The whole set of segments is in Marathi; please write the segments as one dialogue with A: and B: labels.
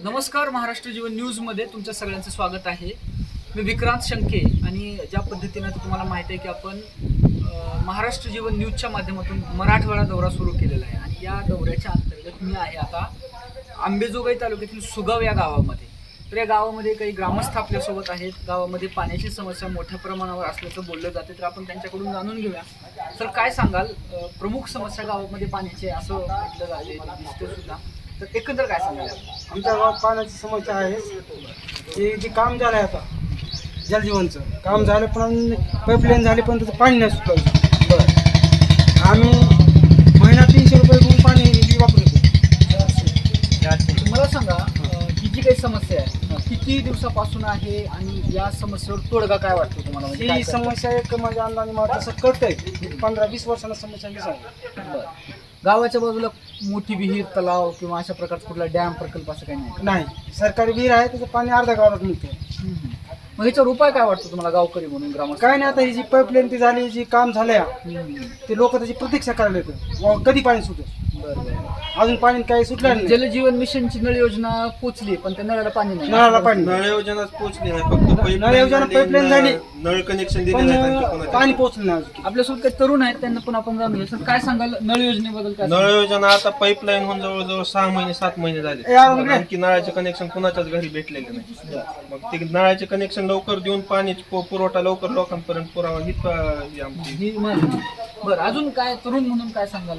A: नमस्कार, महाराष्ट्र जीवन न्यूजमध्ये तुमच्या सगळ्यांचं स्वागत आहे. मी विक्रांत शंके आणि ज्या पद्धतीनं तुम्हाला माहिती आहे की आपण महाराष्ट्र जीवन न्यूजच्या माध्यमातून मराठवाडा दौरा सुरू केलेला आहे आणि या दौऱ्याच्या अंतर्गत मी आहे आता अंबेजोगाई तालुक्यातील सुगाव या गावामध्ये. तर या गावामध्ये काही ग्रामस्थ आपल्यासोबत आहेत. गावामध्ये पाण्याची समस्या मोठ्या प्रमाणावर असल्याचं बोललं जाते, तर आपण त्यांच्याकडून जाणून घेऊया. तर काय सांगाल, प्रमुख समस्या गावामध्ये पाण्याची असं म्हटलं जाते, दिसते सुद्धा, तर एकंदर काय सांगाल?
B: आमच्या गावात पाण्याची समस्या आहे. जे काम झालं आहे आता जलजीवनचं काम झालं, पण पाईपलाईन झाली पण त्याचं पाणी नाही सुटलं. बरं, आम्ही महिना 300 रुपये घेऊन पाणी वापरतो.
A: मला सांगा, ही जी काही समस्या आहे किती दिवसापासून आहे आणि या समस्येवर तोडगा काय वाटतो तुम्हाला? म्हणजे
B: ही समस्या एक माझ्या अंदाने मला तसं कळतंय 15-20 वर्षांना समस्या दिसायला.
A: बरं, गावाच्या बाजूला मोठी विहीर, तलाव किंवा अशा प्रकारचा कुठला डॅम प्रकल्प असं काही नाही?
B: नाही, सरकारी विहीर आहे, त्याचं पाणी अर्ध्या गावात मिळतं.
A: मग याच्यावर उपाय काय वाटतो तुम्हाला गावकरी म्हणून, ग्रामस्थ?
B: काय नाही, आता ही जी पाईपलाईन ती झाली, जी काम झालंय ते लोक त्याची प्रतीक्षा करायला येतं कधी पाणी सुटेल. अजून पाणी काही सुटलं नाही.
A: जलजीवन मिशनची नळ योजना पोचली, पण त्या नळाला पाणी नाही.
B: नळाला पाणी
C: नळ योजनाच पोहोचली नाही, फक्त
B: नळ योजना पाईपलाईन झाली,
C: नळ कनेक्शन दिले
B: पण
C: नाही.
B: पाणी पोहोचलं नाही अजून.
A: आपल्यासोबत काही तरुण आहेत, त्यांना पण आपण जाणून घेऊ. सर, काय सांगाल नळ योजनेबद्दल? काय
C: नळ योजना आता पाईपलाईन होऊन जवळजवळ 6 महिने 7 महिने झाले, आणखी नळाचे कनेक्शन कुणाच्याच घरी भेटलेले नाही. मग ते नळाचे कनेक्शन लवकर देऊन पाणी पुरवठा लवकर लोकांपर्यंत पुरावा ही आमची.
A: बरं, अजून काय तरुण म्हणून काय सांगाल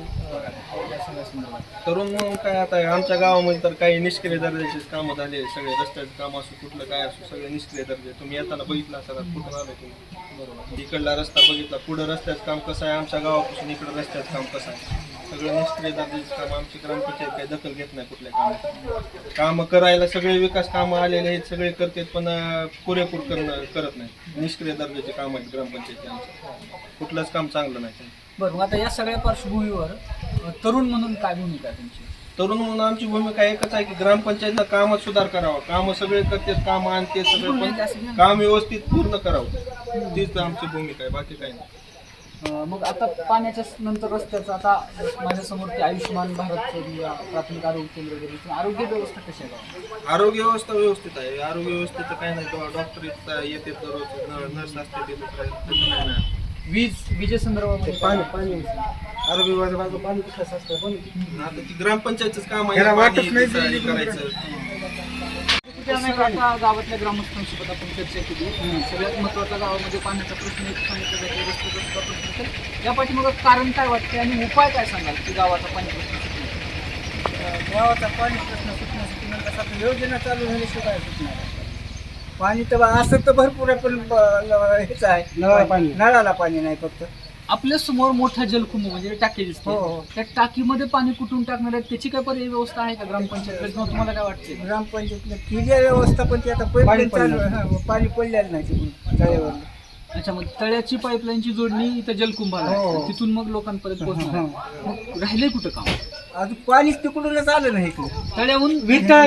A: या सगळ्या संदर्भात?
C: तरुण म्हणून काय, आता आमच्या गावामध्ये तर काही निष्क्रिय दर्जाचे कामं झाले. सगळे रस्त्याचे काम असो, कुठलं काय असो, सगळे निष्क्रिय दर्जे. तुम्ही येताना बघितला असाल कुठं आलो तुम्ही. बरोबर, इकडला रस्ता बघितला, पुढं रस्त्याचं काम कसं आहे, आमच्या गावापासून इकडं रस्त्याचं काम कसं आहे. सगळं निष्क्रिय दर्जाचे काम. आमची ग्रामपंचायत काही दखल घेत नाही कुठल्या कामात. कामं करायला सगळे विकास कामं आलेले आहेत, सगळे करतात, पण पुरेपूर करत नाही. निष्क्रिय दर्जाचे काम आहेत ग्रामपंचायती आमचं, कुठलंच काम चांगलं नाही.
A: बरं, मग आता या सगळ्या पार्श्वभूमीवर तरुण म्हणून काय भूमिका आहे तुमची?
C: तरुण म्हणून आमची भूमिका एकच आहे की ग्रामपंचायतला कामात सुधार करावा. कामं सगळे करतात, कामं आणते सगळे, पण काम व्यवस्थित पूर्ण करावं. तीच आमची भूमिका आहे, बाकी काही नाही.
A: मग आता पाण्याच्या नंतर रस्त्याचं, आता माझ्यासमोर ते आयुष्यमान भारत प्राथमिक आरोग्य केंद्र वगैरे, आरोग्य व्यवस्था कशी आहे?
C: आरोग्य व्यवस्था व्यवस्थित आहे. आरोग्य व्यवस्थेचं काही नाही, डॉक्टर येते दररोज, नर्स असते, ते दुसरं नाही.
A: विजेसंदर्भामध्ये
B: पाणी आरोग्य विभागाचं पाणी कसं असतं पण
C: आता ती ग्रामपंचायतच काम आहे,
B: त्याला वाटत
C: पाणी
B: नाही
C: हे करायचं.
A: आता गावातल्या ग्रामस्थांसोबत आपण चर्चा केली. सगळ्यात महत्त्वाचा गावामध्ये पाण्याचा प्रश्न एक सांगितलं जातो, रस्त्याचा सुद्धा प्रश्न. तर या पाठीमागं कारण काय वाटते आणि उपाय काय सांगाल की गावाचा पाणी प्रश्न सुटण्यासाठी?
B: गावाचा पाणी प्रश्न सुटण्यासाठी म्हणजे कसं योजना चालू झाल्याशिवाय सुटणार. पाणी तर असं तर भरपूर आहे, पण हेच आहे, नळाला पाणी नाही. फक्त
A: आपल्या समोर मोठा जलकुंभ म्हणजे टाकी दिसते.
B: हो.
A: त्या टाकीमध्ये पाणी कुठून टाकणार आहे, त्याची काय पर्यायी व्यवस्था आहे का ग्रामपंचायत? तुम्हाला काय वाटते?
B: ग्रामपंचायतीला केली आहे व्यवस्था, पण ती आता पाईपलाईन चालू आहे, पाणी पडलेलं नाही तिकडून तळ्यावर.
A: अच्छा, मग तळ्याची पाईपलाईनची जोडणी इथं जलकुंभाला आहे.
B: हो.
A: तिथून मग लोकांपर्यंत पोहोचणार. मग राहिले कुठं काम?
B: अजून पाणीच तिकडूनच आलं नाही इकडे.
A: तळ्याहून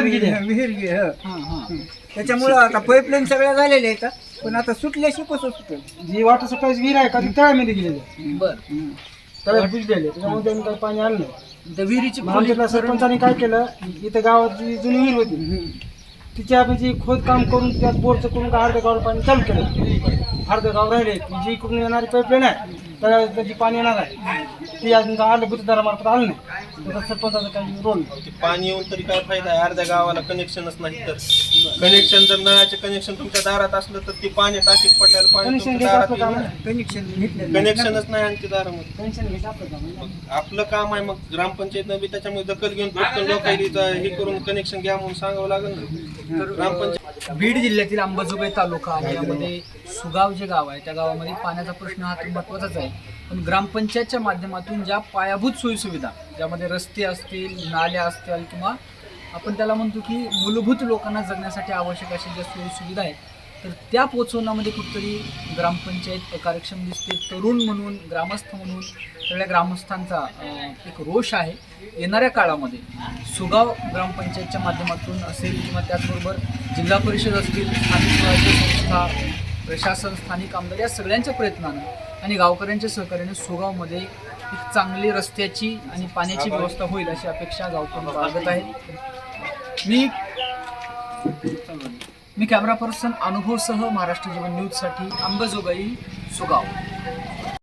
B: विहीर त्याच्यामुळं आता पाईपलाईन सगळ्या झालेल्या आहेत, पण आता सुटल्याशिवाय कसं सुटेल. जी वॉटर सप्लायची विहीर आहे का ती तळ्यामध्ये गेलेली,
A: बरं,
B: तळ्यात भिजलेले, त्याच्यामुळे त्यांनी काही पाणी आलं नाही.
A: त्या विहिरीची
B: आमच्या सरपंचाने काय केलं, इथं गावात जी जुनी विहीर होती तिच्या म्हणजे खोदकाम करून त्यात बोरचं करून अर्ध्या गावाला पाणी चालू केलं. अर्ध्या गाव राहिले, जी इकडून येणारी पाईपलाईन आहे त्याची पाणी येणार आहे, ती अजून आलं गुरुद्वारामार्फत आलं नाही. त्याचा सरपंचाचा काही रोल नाही.
C: ते पाणी येऊन तरी काय फायदा आहे, अर्ध्या गावाला कनेक्शनच नाही. तर कनेक्शन जर नळाचे कनेक्शन तुमच्या दारात असलं तर ते पाणी टाकीत पडलेलं पाणी
B: कनेक्शन
C: तुमच्या
B: घ्यायचं
C: दारात
B: आपलं
C: येईल
B: काम, कनेक्शन
C: कनेक्शनच नाही आणखी दारामध्ये.
B: कनेक्शन घ्यायचं आपलं काम.
C: आपलं काम आहे, मग ग्रामपंचायतनं बी त्याच्यामुळे दखल घेऊन फक्त लोकांनी हे करून कनेक्शन घ्या म्हणून सांगावं लागेल ना. तर ग्रामपंचायत
A: बीड जिल्ह्यातील अंबाजोगाई तालुका आणि यामध्ये सुगाव जे गाव आहे त्या गावामध्ये पाण्याचा प्रश्न हा तर महत्त्वाचाच आहे. पण ग्रामपंचायतच्या माध्यमातून ज्या पायाभूत सोयीसुविधा, ज्यामध्ये रस्ते असतील, नाल्या असतील, किंवा आपण त्याला म्हणतो की मूलभूत लोकांना जगण्यासाठी आवश्यक अशा ज्या सोयीसुविधा आहेत, तर त्या पोचवण्यामध्ये कुठेतरी ग्रामपंचायत अकार्यक्षम दिसते. तरुण म्हणून, ग्रामस्थ म्हणून सगळ्या ग्रामस्थांचा एक रोष आहे. येणाऱ्या काळामध्ये सुगाव ग्रामपंचायतच्या माध्यमातून असेल किंवा त्याचबरोबर जिल्हा परिषद असतील, स्थानिक स्वराज्य संस्था, प्रशासन, स्थानिक आमदार या सगळ्यांच्या प्रयत्नानं आणि गावकऱ्यांच्या सहकार्याने सुगावमध्ये एक चांगली रस्त्याची आणि पाण्याची व्यवस्था होईल अशी अपेक्षा गावकरी बाळगत आहे. मी मी कॅमेरा पर्सन अनुभवसह महाराष्ट्र जीवन न्यूजसाठी अंबाजोगाई सुगाव.